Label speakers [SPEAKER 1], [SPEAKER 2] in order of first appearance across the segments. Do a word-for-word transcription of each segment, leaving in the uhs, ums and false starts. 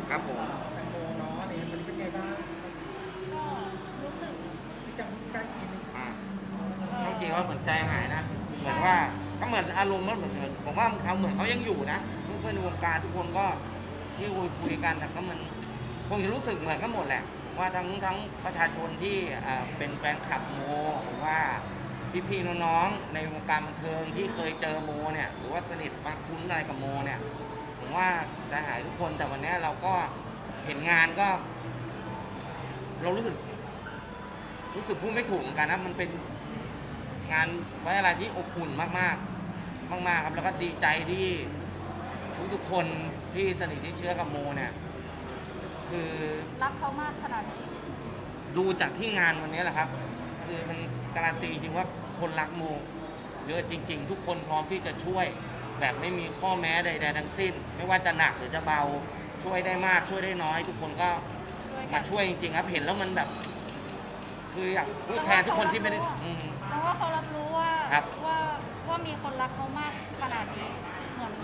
[SPEAKER 1] ครับผม
[SPEAKER 2] แตงโมเนาะนี่มันเป็นไงบ้าง
[SPEAKER 3] ก็รู้สึก
[SPEAKER 2] ที่จังการกิน
[SPEAKER 1] อ่า
[SPEAKER 3] เอ่
[SPEAKER 1] ต้องจริงว่าเหมือนใจหายนะเหมือน
[SPEAKER 3] ใช่
[SPEAKER 1] ว่าก็เหมือนอารมณ์มันเหมือนผมว่าเขาเหมือนเขายังอยู่นะเพื่อนๆในวงการทุกคนก็ที่คุยคุยกันแต่ก็มันคงจะรู้สึกเหมือนกันหมดแหละว่าทั้งทั้งประชาชนที่อ่าเป็นแฟนคลับโมหรือว่าพี่ๆน้องๆในวงการบันเทิงที่เคยเจอโมเนี่ยหรือว่าสนิทฟังคุ้นอะไรกับโมเนี่ยผมว่าใจหายทุกคนแต่วันนี้เราก็เห็นงานก็ เรารู้สึกรู้สึกพูดไม่ถูกเหมือนกันนะมันเป็นงานไว้อะไรที่อบอุ่นมากๆมากๆครับแล้วก็ดีใจที่ทุกๆคนที่สนิทที่เชื้อกับโมเนี่ยคือ
[SPEAKER 3] รักเขามากขนาดนี้
[SPEAKER 1] ดูจากที่งานวันนี้แหละครับคือมันการันตีจริงว่าคนรักโมเยอะจริงๆทุกคนพร้อมที่จะช่วยแบบไม่มีข้อแม้ใดๆทั้งสิ้นไม่ว่าจะหนักหรือจะเบาช่วยได้มากช่วยได้น้อย ทุกคนก็มาช่วยจริงๆครับเห็นแล้วมันแบบ คืออยากพูดแทนทุกคนที่ไม่ได้อืม
[SPEAKER 3] แล้วว่าเขารับรู้ว่า
[SPEAKER 1] ครับ
[SPEAKER 3] ว่าว่ามีคนรักเขามากขนาดนี้เหมือน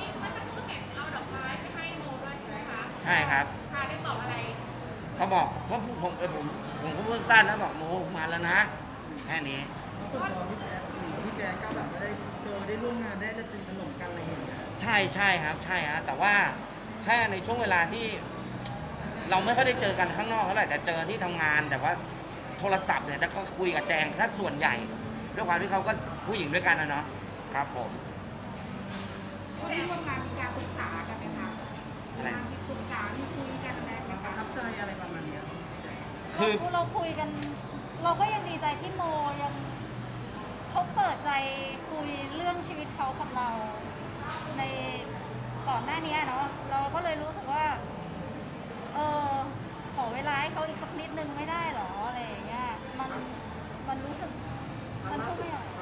[SPEAKER 1] ใช่ครับ
[SPEAKER 4] พาได้บอกอะไร
[SPEAKER 1] เขาบอกว่าผมเออผมผมก็พูดสั้นนะบอกโมมาแล้วนะแค่นี้
[SPEAKER 2] ส่วนตัวพี่แจ๊คพี่แจ๊คก็แบบได้เจอได้ร่วมงานได้ได้สนิทสนมกันอะไรอย่างเงี้ย
[SPEAKER 1] ใช่ใช่ครับใช่ฮะแต่ว่าแค่ในช่วงเวลาที่ เราไม่ค่อยได้เจอกันข้างนอกเท่าไหร่แต่เจอที่ทำงานแต่ว่าโทรศัพท์เนี่ยแต่ก็คุยกับแจงถ้าส่วนใหญ่ด้วยความที่เขาก็ผู้หญิงด้วยกันนะเนาะครับผม
[SPEAKER 4] ช่วงที่ร่วมงานมีการปรึกษากันไหมคะมีการปรึกษามีคุยกันไหม
[SPEAKER 2] ความประทับใจอะไรประมาณเนี้ย
[SPEAKER 1] คือ
[SPEAKER 3] เราเราคุยกัน เราก็ยังดีใจที่โมยังเขาเปิดใจคุยเรื่องชีวิตเขากับเราในก่อนหน้านี้เนาะเราก็เลยรู้สึกว่าเออขอเวลาให้เขาอีกสักนิดนึงไม่ได้หรออะไรอย่างเงี้ยมันมันรู้สึกมันพูดไม่ออก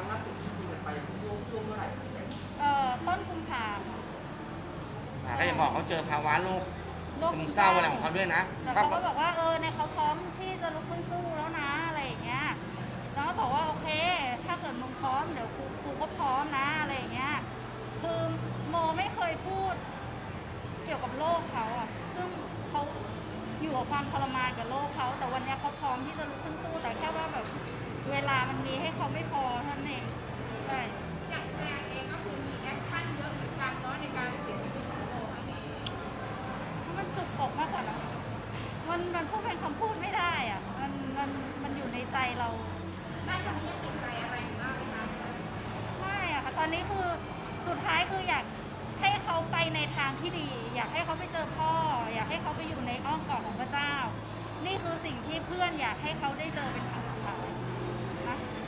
[SPEAKER 3] เอ่อต้นกุมภาพันธ์
[SPEAKER 1] ก็จะบอกเขาเจอภาวะโรค
[SPEAKER 3] โรค
[SPEAKER 1] ซึมเศร้าอะไรของเขาด้วยนะ
[SPEAKER 3] แต่เขาก็บอกว่าเออเนี่ยเขาพร้อมที่จะลุกขึ้นสู้แล้วนะอะไรอย่างเงี้ยแล้วก็บอกว่าโอเคถ้าเกิดมึงพร้อมเดี๋ยวกูกูก็พร้อมนะอะไรอย่างเงี้ยคือโมไม่เคยพูดเกี่ยวกับโรคเขาอะซึ่งเขาอยู่กับความทรมานกับโรคเขาแต่วันเนี้ยเขาพร้อมที่จะลุกขึ้นสู้แต่แค่ว่าแบบเวลามันมีให้เขาไม่พอเท่านั้นเองใช่
[SPEAKER 4] อย่างแจงเองก็คือมีแอคชั่นเยอะเหมือนกันเนาะในการเสียชีวิตของโมครั้งนี้
[SPEAKER 3] มันจุกอกมากกว่านะมันมันพูดเป็นคำพูดไม่ได้อะมันมันมันอยู่ในใจเรา
[SPEAKER 4] ได้ตอนนี้ยังติดใจอะไรอยู่บ้างไหมคะ
[SPEAKER 3] ไม่อะค่ะตอนนี้คือสุดท้ายคืออยากให้เขาไปในทางที่ดี อยากให้เขาไปเจอพ่อ อยากให้เขาไปอยู่ในอ้อมกอดของพระเจ้า นี่คือสิ่งที่เพื่อนอยากให้เขาได้เจอเป็นครั้งสุดท้ายนะ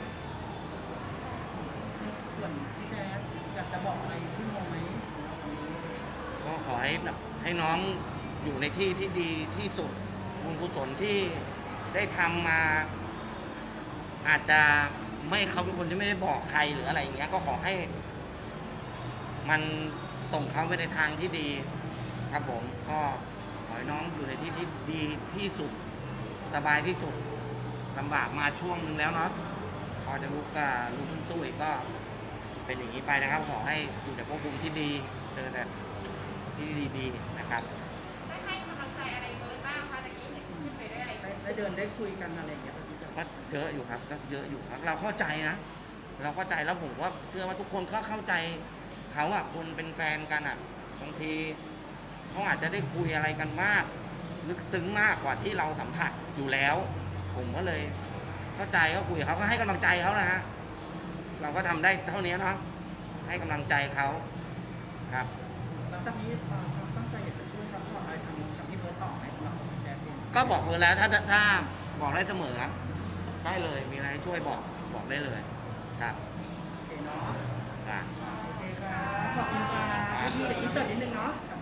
[SPEAKER 2] ส่วนพี่แจ๊คอยากจะบอกอะไรพี่โมไหม
[SPEAKER 1] ก็ขอให้แบบให้น้องอยู่ในที่ที่ดีที่สุดบุญกุศลที่ได้ทำมา อาจจะไม่เขาเป็นคนที่ไม่ได้บอกใครหรืออะไรอย่างเงี้ยก็ขอให้ มันส่งเขาไปในทางที่ดี ครับผมก็ขอให้น้องอยู่ในที่ที่ดีที่สุดสบายที่สุดลำบากมาช่วงนึงแล้วเนาะพอจะลุกก็ลุกขึ้นสู้อีกก็เป็นอย่างนี้ไปนะครับขอให้อยู่ในภพภูมิที่ดีเจอแต่ที่ดีๆนะครับ
[SPEAKER 4] ได้ให้กำลังใจอะไรเบิร์ดบ้างคะตะกี้เห็นขึ้นไปได้อะไร
[SPEAKER 2] ได้ได้เดินได้คุยกันอะไรอย่างเงี้ยพี่แจ๊ค
[SPEAKER 1] ก็เยอะอยู่ครับก็เยอะอยู่ครับเราเข้าใจนะ เราเข้าใจแล้วผมว่าเชื่อว่าทุกคนก็เข้าใจเขาอะคนเป็นแฟนกันอะบางทีเขาอาจจะได้คุยอะไรกันมากลึกซึ้งมากกว่าที่เราสัมผัสอยู่แล้ว ผมก็เลยเข้าใจก็คุยกับเขาก็ให้กำลังใจเขานะฮะเราก็ทำได้เท่านี้เนาะให้กำลังใจเขาครับ
[SPEAKER 2] หลังจากนี้ความตั้งใจอยากจะช่วยซัพพอร์ตอะไรทางกับพี่เบิร์ตต่อไหมสำหรับพี่แจ๊คเอง
[SPEAKER 1] ก็บอกเลยแล้วถ้าถ้าถ้าบอกได้เสมอครับได้เลยมีอะไรให้ช่วยบอกบอกได้เลยครับ
[SPEAKER 2] โอเคเนาะ
[SPEAKER 1] ครับ
[SPEAKER 2] โอเคครับขอบคุณครับพี่เดี๋ยวอินเสิร์ตนิดนึงเนาะ